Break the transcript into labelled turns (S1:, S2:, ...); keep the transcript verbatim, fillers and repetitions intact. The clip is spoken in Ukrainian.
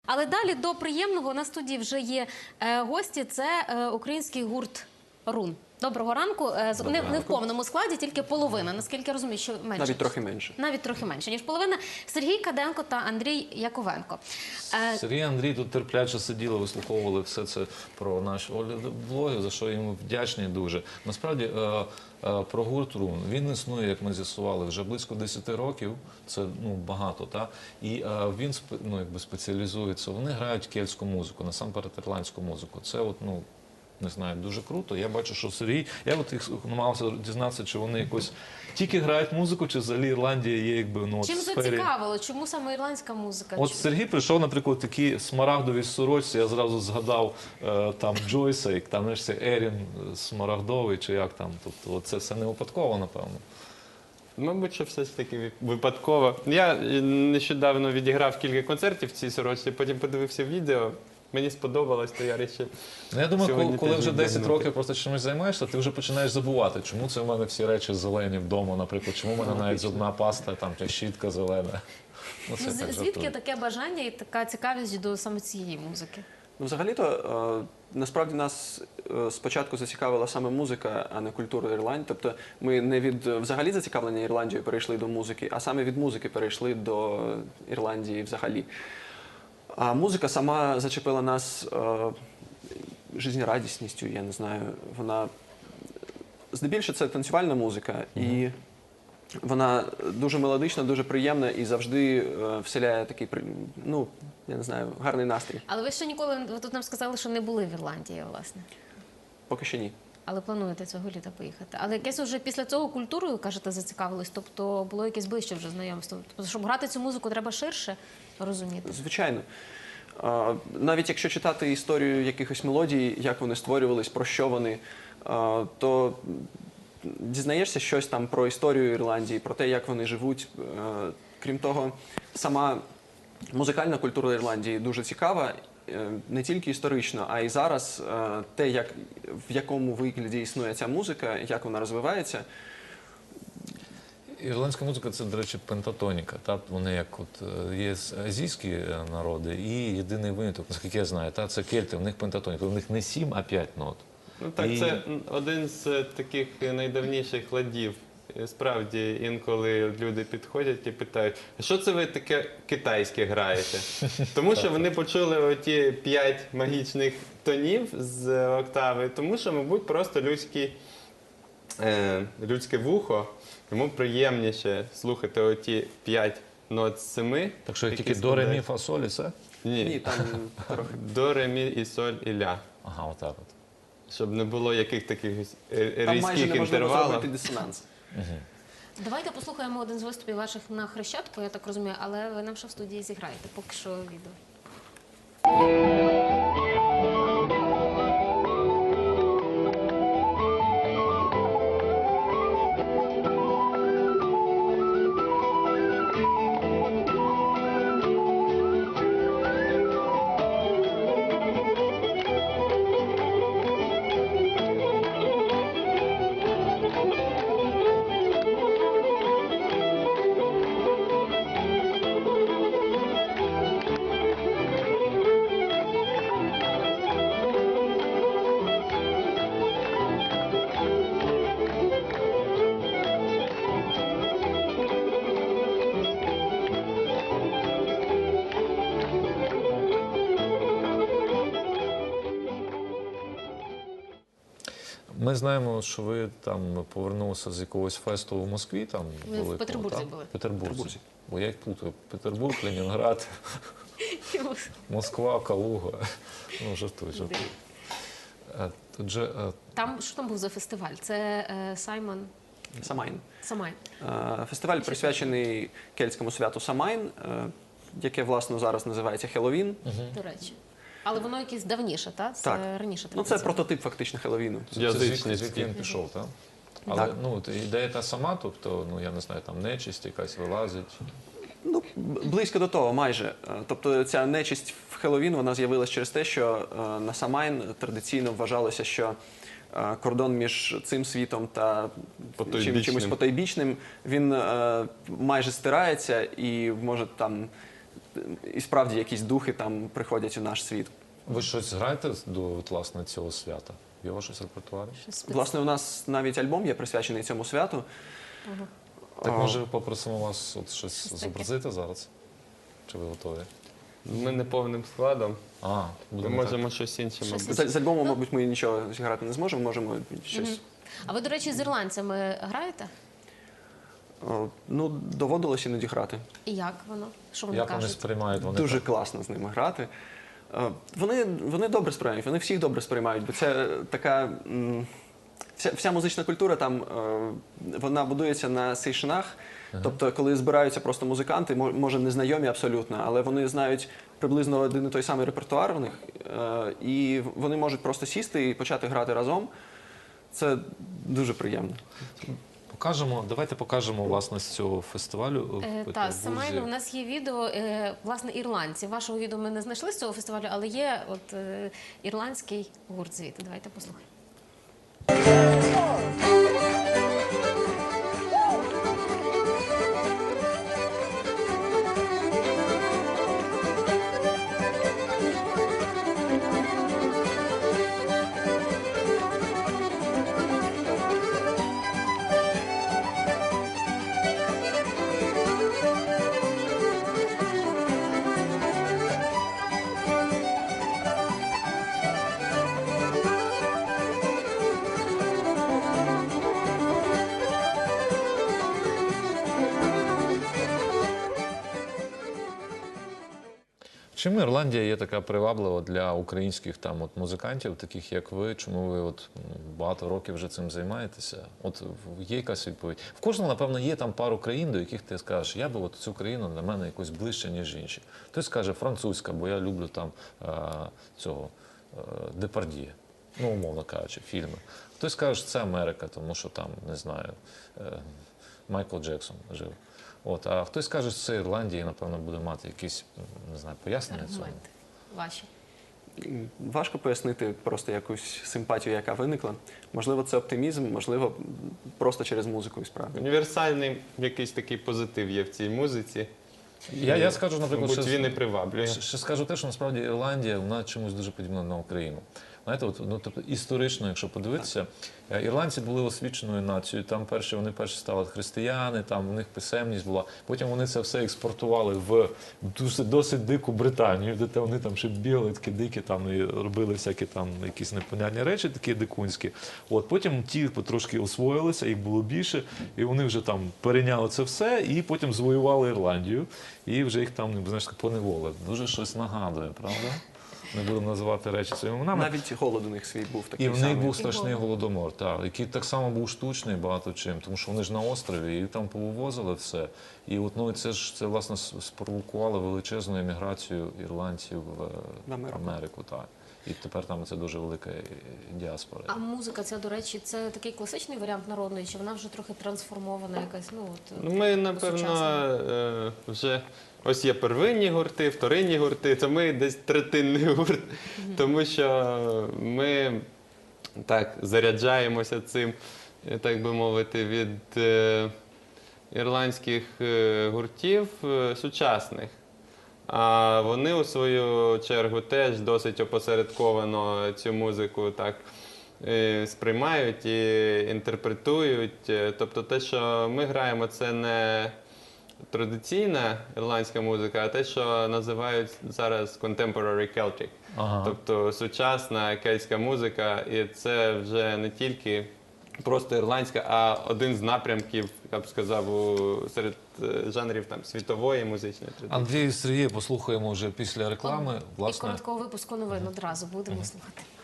S1: Але далі до приємного. На студії вже є е, гості. Це е, український гурт «Рун». Доброго ранку. Е, з- не, не в повному складі, тільки половина. Наскільки я розумію, що менше.
S2: Навіть трохи менше.
S1: Навіть трохи менше, ніж половина. Сергій Каденко та Андрій Яковенко. Е,
S3: Сергій і Андрій тут терпляче сиділи, вислуховували все це про наші влоги, за що їм вдячні дуже. Насправді, е, е, про гурт «Рун». Він існує, як ми з'ясували, вже близько десяти років. Це ну, багато, та? І е, він спе- ну, якби спеціалізується. Вони грають кельтську музику, насамперед ірландську музику. Це от, ну, не знаю, дуже круто. Я бачу, що Сергій, я от їх намагався дізнатися, чи вони якось тільки грають музику, чи взагалі Ірландія є якби, ну, от
S1: чим
S3: в сфері...
S1: зацікавило? Чому саме ірландська музика?
S3: От
S1: Чому?
S3: Сергій прийшов, наприклад, такі смарагдові сорочці, я зразу згадав е, там Джойса, як там, знаєш, це Ерін смарагдовий, чи як там, тобто от це все не випадково, напевно.
S4: Мабуть, що все ж таки випадково. Я нещодавно відіграв кілька концертів в цій сорочці, потім подивився відео. Мені сподобалось, то я вирішив.
S3: Ну, я думаю, коли,
S4: сьогодні
S3: коли
S4: теж
S3: вже десять
S4: віддягнути.
S3: років просто чимось займаєшся, ти вже починаєш забувати, чому це в мене всі речі зелені вдома, наприклад, чому в мене навіть зубна паста, там, чи щітка зелена. Ну, це
S1: Ну, з-
S3: так
S1: звідки
S3: жартую.
S1: таке бажання і така цікавість до саме цієї музики?
S2: Ну, взагалі-то, е, насправді нас е, спочатку зацікавила саме музика, а не культура Ірландії. Тобто ми не від е, взагалі зацікавлення Ірландією перейшли до музики, а саме від музики перейшли до Ірландії взагалі. А музика сама зачепила нас е, жизнерадісністю, я не знаю. Вона здебільшого це танцювальна музика, і вона дуже мелодична, дуже приємна і завжди е, вселяє такий, при- ну, я не знаю, гарний настрій.
S1: Але ви ще ніколи, ви тут нам сказали, що не були в Ірландії, власне.
S2: Поки що ні.
S1: Але плануєте цього літа поїхати. Але якесь вже після цього культурою, кажете, зацікавились? Тобто було якесь ближче вже знайомство? Тобто, щоб грати цю музику, треба ширше розуміти?
S2: Звичайно. А, навіть якщо читати історію якихось мелодій, як вони створювались, про що вони, а, то дізнаєшся щось там про історію Ірландії, про те, як вони живуть. Е, Крім того, сама музикальна культура Ірландії дуже цікава, е, не тільки історично, а й зараз е, те, як, в якому вигляді існує ця музика, як вона розвивається.
S3: Ірландська музика – це, до речі, пентатоніка. Та? Вони як от е, є азійські е, народи і єдиний виняток, наскільки я знаю, та? Це кельти, в них пентатоніка. У них не сім, а п'ять нот.
S4: Ну так,
S3: І-
S4: це один з таких найдавніших ладів. І Справді, інколи люди підходять і питають, а що це ви таке китайське граєте? Тому що вони почули оті п'ять магічних тонів з октави, тому що, мабуть, просто людські, е, людське вухо, йому приємніше слухати оті п'ять нот з семи.
S3: Так що
S4: які
S3: тільки до, ре, мі,
S4: складають-
S3: фа, соль і все?
S4: Ні,
S2: Ні, там трохи.
S4: до, ре, мі і соль і ля.
S3: Ага, отак от.
S4: Щоб не було яких таких е,
S2: Там майже
S4: різких
S2: неможливо
S4: інтервалів.
S2: зробити дисонанс.
S1: Давайте послухаємо один з виступів ваших на Хрещатику, я так розумію, але ви нам ще в студії зіграєте. Поки що відео.
S3: Ми знаємо, що ви там повернулися з якогось фесту в Москві. Там,
S1: Ми в
S3: великого,
S1: Петербурзі
S3: так?
S1: були.
S3: В Петербурзі.
S2: Петербурзі.
S3: Бо я їх плутаю. Петербург, Ленінград, Москва, Калуга. Ну, жартую, жартую. Е, Тут же, е,
S1: Там, що там був за фестиваль? Це е, Саймон
S2: Самайн.
S1: Самайн.
S2: Е, Фестиваль присвячений кельтському святу Самайн, е, яке, власне, зараз називається Хеллоуін.
S1: До речі. Але воно якесь давніше, так? Це
S2: Так.
S1: раніше
S2: Ну, це
S1: традиція.
S2: прототип фактично Хеллоуіну.
S3: це
S4: Язичницький.
S3: звідки, звідки він пішов, так? Але
S2: Так.
S3: ну, от ідея та сама, тобто, ну, я не знаю, там нечисть якась вилазить.
S2: Ну, б- близько до того, майже. Е, Тобто ця нечисть в Хеллоуін, вона з'явилась через те, що е, на Самайн традиційно вважалося, що е, кордон між цим світом та чим,
S4: Потойбічним.
S2: чимось потойбічним, він е, майже стирається і може там і справді якісь духи там приходять у наш світ.
S3: Ви щось граєте до от, власне цього свята? Є у вас щось в репертуарі?
S1: Щось спец-
S2: Власне, у нас навіть альбом є присвячений цьому святу.
S3: Так
S2: А,
S3: може попросимо вас от щось
S1: Щось таке.
S3: зобразити зараз? Чи ви готові?
S4: Ми не повним складом.
S3: А,
S4: Ми
S3: будемо
S4: можемо щось інше,
S1: Щось
S4: мабуть.
S2: З, з альбомом, мабуть, ми нічого зіграти не зможемо, можемо щось.
S1: А ви, до речі, з ірландцями граєте?
S2: О, ну, доводилось іноді грати.
S1: І як воно? Що
S3: так.
S1: вони
S3: Як вони
S1: кажуть?
S3: сприймають? Вони
S2: Дуже
S3: так?
S2: класно з ними грати. Е, Вони, вони добре сприймають, вони всіх добре сприймають, бо це е, така. м, Вся, вся музична культура там е, вона будується на сейшинах. Тобто, коли збираються просто музиканти, мо- може незнайомі абсолютно, але вони знають приблизно один і той самий репертуар у них, е, і вони можуть просто сісти і почати грати разом. Це дуже приємно.
S3: Покажемо, давайте покажемо власне з цього фестивалю.
S1: Е,
S3: в
S1: Та, Самайно,
S3: Петербурзі.
S1: у нас є відео, е, власне, ірландці. Вашого відео ми не знайшли з цього фестивалю, але є от е, ірландський гурт звідти. Давайте послухаємо.
S3: Чому Ірландія є така приваблива для українських там от музикантів, таких як ви? Чому ви от м, багато років вже цим займаєтеся? От в- є якась відповідь? В кожного, напевно, є там пару країн, до яких ти скажеш, я би от цю країну для мене якось ближче, ніж інші. Хтось скаже французька, бо я люблю там е, цього е, Депардьє, ну, умовно кажучи, фільми. Хтось скаже, це Америка, тому що там, не знаю, е, Майкл Джексон жив. От, а хтось каже, що це Ірландія, і, напевно, буде мати якісь, не знаю, пояснення цьому.
S1: Аргументи ваші.
S2: М, Важко пояснити просто якусь симпатію, яка виникла. Можливо, це оптимізм, можливо, м, просто через музику і справді.
S4: Універсальний якийсь такий позитив є в цій музиці.
S3: Я, я скажу, наприклад,
S4: Мабуть,
S3: ще,
S4: він і приваблює.
S3: ще, ще скажу те, що насправді Ірландія, вона чомусь дуже подібна на Україну. Знаєте, от, ну, тобто, історично, якщо подивитися, е, ірландці були освіченою нацією, там перші, вони перші стали християни, там у них писемність була, потім вони це все експортували в досить, досить дику Британію, де те вони там ще бігали, такі дикі, там, і робили всякі там якісь непонятні речі, такі дикунські. От, потім ті потрошки освоїлися, їх було більше, і вони вже там перейняли це все, і потім звоювали Ірландію, і вже їх там, знаєш, поневолили. Дуже щось нагадує, правда? Не будемо називати речі своїми іменами.
S2: Навіть голод у них свій був такий
S3: І в них
S2: самий.
S3: був страшний голодомор, так, який так само був штучний багато чим, тому що вони ж на острові і там повивозили все. І от ну це ж це власне с- спровокувало величезну еміграцію ірландців в,
S2: В Америку.
S3: Америку. Так. І тепер там це дуже велика е, діаспора.
S1: А музика ця, до речі, це такий класичний варіант народної, чи вона вже трохи трансформована якась, ну от.
S4: Ну, ми, напевно,
S1: сучасна?
S4: е, вже ось є первинні гурти, вторинні гурти, то ми десь третинний гурт, тому що ми так заряджаємося цим, е, так би мовити, від е, ірландських е, гуртів е, сучасних. А вони у свою чергу теж досить опосередковано цю музику так е, сприймають і інтерпретують. Е, Тобто те, що ми граємо, це не традиційна ірландська музика, а те, що називають зараз contemporary Celtic.
S3: Ага.
S4: Тобто сучасна кельтська музика, і це вже не тільки просто ірландська, а один з напрямків, я б сказав, у, серед е, жанрів там, світової музичної традиції.
S3: Андрій і Сергія послухаємо вже після реклами.
S1: І
S3: Власне,
S1: короткого випуску новин одразу будемо слухати.